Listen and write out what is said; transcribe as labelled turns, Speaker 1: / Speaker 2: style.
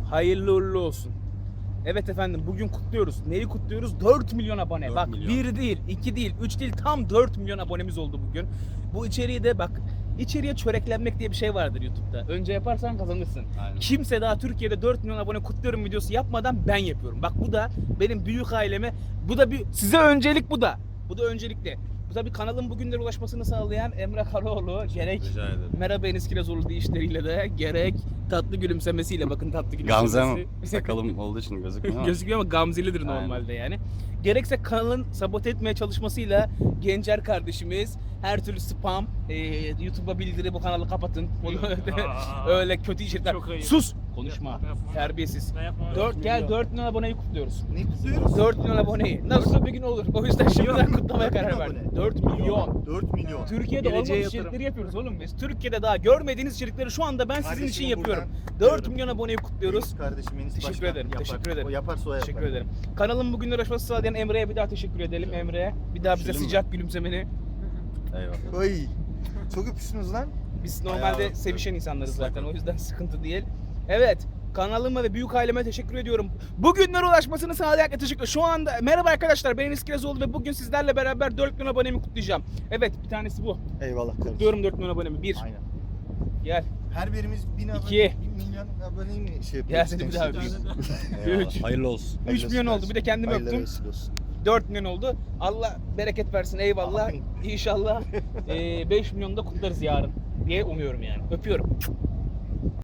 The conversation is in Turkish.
Speaker 1: Hayırlı uğurlu olsun. Evet efendim, bugün kutluyoruz. Neyi kutluyoruz? 4 milyon abone.
Speaker 2: 4
Speaker 1: bak
Speaker 2: milyon.
Speaker 1: 1 değil, 2 değil, 3 değil, tam 4 milyon abonemiz oldu bugün. Bu içeriği de bak, içeriye çöreklenmek diye bir şey vardır YouTube'da. Önce yaparsan kazanırsın.
Speaker 2: Aynen.
Speaker 1: Kimse daha Türkiye'de 4 milyon abone kutluyorum videosu yapmadan ben yapıyorum. Bak bu da benim büyük aileme, bu da bir size öncelik bu da. Bu da öncelikle. Bu tabii kanalın bugünlere ulaşmasını sağlayan Emre Karaoğlu, gerek
Speaker 2: Rica ederim.
Speaker 1: Merhaba Enis Kirazoğlu deyişleriyle de, gerek tatlı gülümsemesiyle, bakın tatlı gülümsemesi.
Speaker 2: Gamzem sakalım olduğu için gözükmüyor ama.
Speaker 1: Gözüküyor ama gamzelidir
Speaker 2: Aynen.
Speaker 1: normalde yani. Gerekse kanalın sabote etmeye çalışmasıyla Gencer kardeşimiz her türlü spam, YouTube'a bildiri, bu kanalı kapatın. Öyle kötü içerikler.
Speaker 3: Çok ayıp.
Speaker 1: Sus! Konuşma.
Speaker 3: Yapma.
Speaker 1: Terbiyesiz.
Speaker 3: Ben yapmam.
Speaker 1: 4 milyon aboneyi kutluyoruz.
Speaker 4: Ne kutluyoruz?
Speaker 1: 4 milyon aboneyi. Nasıl bir gün olur? O yüzden şimdiden
Speaker 4: Milyon.
Speaker 1: kutlamaya
Speaker 4: 4
Speaker 1: karar
Speaker 4: milyon
Speaker 1: verdim.
Speaker 4: abone.
Speaker 1: 4 milyon.
Speaker 4: 4 milyon.
Speaker 1: Türkiye'de
Speaker 3: Geleceğe
Speaker 1: olmamış
Speaker 3: yatırım.
Speaker 1: içerikleri yapıyoruz oğlum biz. Türkiye'de daha görmediğiniz içerikleri şu anda ben sizin için
Speaker 4: Kardeşime
Speaker 1: yapıyorum.
Speaker 4: buradan
Speaker 1: 4
Speaker 4: diyorum.
Speaker 1: milyon aboneyi kutluyoruz.
Speaker 4: Enis kardeşim Enis
Speaker 1: Teşekkür
Speaker 4: Başkan
Speaker 1: ederim,
Speaker 4: yapar.
Speaker 1: teşekkür ederim.
Speaker 4: O yaparsa o yapar.
Speaker 1: Teşekkür ederim. Kanalın bugünlere ulaşması sağlayan Emre'ye bir daha teşekkür edelim. Emre, bir daha bize
Speaker 2: Öpüşelim mi?
Speaker 1: sıcak gülümsemeni.
Speaker 2: Eyvallah.
Speaker 4: Oy. Çok öpüşsünüz lan.
Speaker 1: Biz normalde
Speaker 2: Bayağı
Speaker 1: sevişen insanlarız
Speaker 2: ıslak
Speaker 1: zaten,
Speaker 2: oldu.
Speaker 1: o yüzden sıkıntı değil. Evet, kanalıma ve büyük aileme teşekkür ediyorum. Bugünlere ulaşmasını sağlayan teşekkür. Şu anda merhaba arkadaşlar, ben Enis Kirazoğlu ve bugün sizlerle beraber 4 milyon abonemi kutlayacağım. Evet, bir tanesi bu.
Speaker 4: Eyvallah kardeşim.
Speaker 1: Kutluyorum 4 milyon abonemi. 1.
Speaker 4: Aynen.
Speaker 1: Gel.
Speaker 4: Her birimiz 1000 abone,
Speaker 1: 2.
Speaker 4: 1 milyon aboneyi mi şey yapıyoruz?
Speaker 1: Gel seni bir daha
Speaker 4: temsil
Speaker 1: öpeyim.
Speaker 4: ediyoruz?
Speaker 2: Eyvallah.
Speaker 1: Üç.
Speaker 2: Hayırlı olsun.
Speaker 1: 3 milyon oldu. Bir de kendimi
Speaker 4: Hayırlı
Speaker 1: öptüm.
Speaker 4: vesile olsun.
Speaker 1: 4 milyon oldu. Allah bereket versin. Eyvallah.
Speaker 4: Amin.
Speaker 1: İnşallah 5 milyonu da kutlarız yarın diye umuyorum yani. Öpüyorum.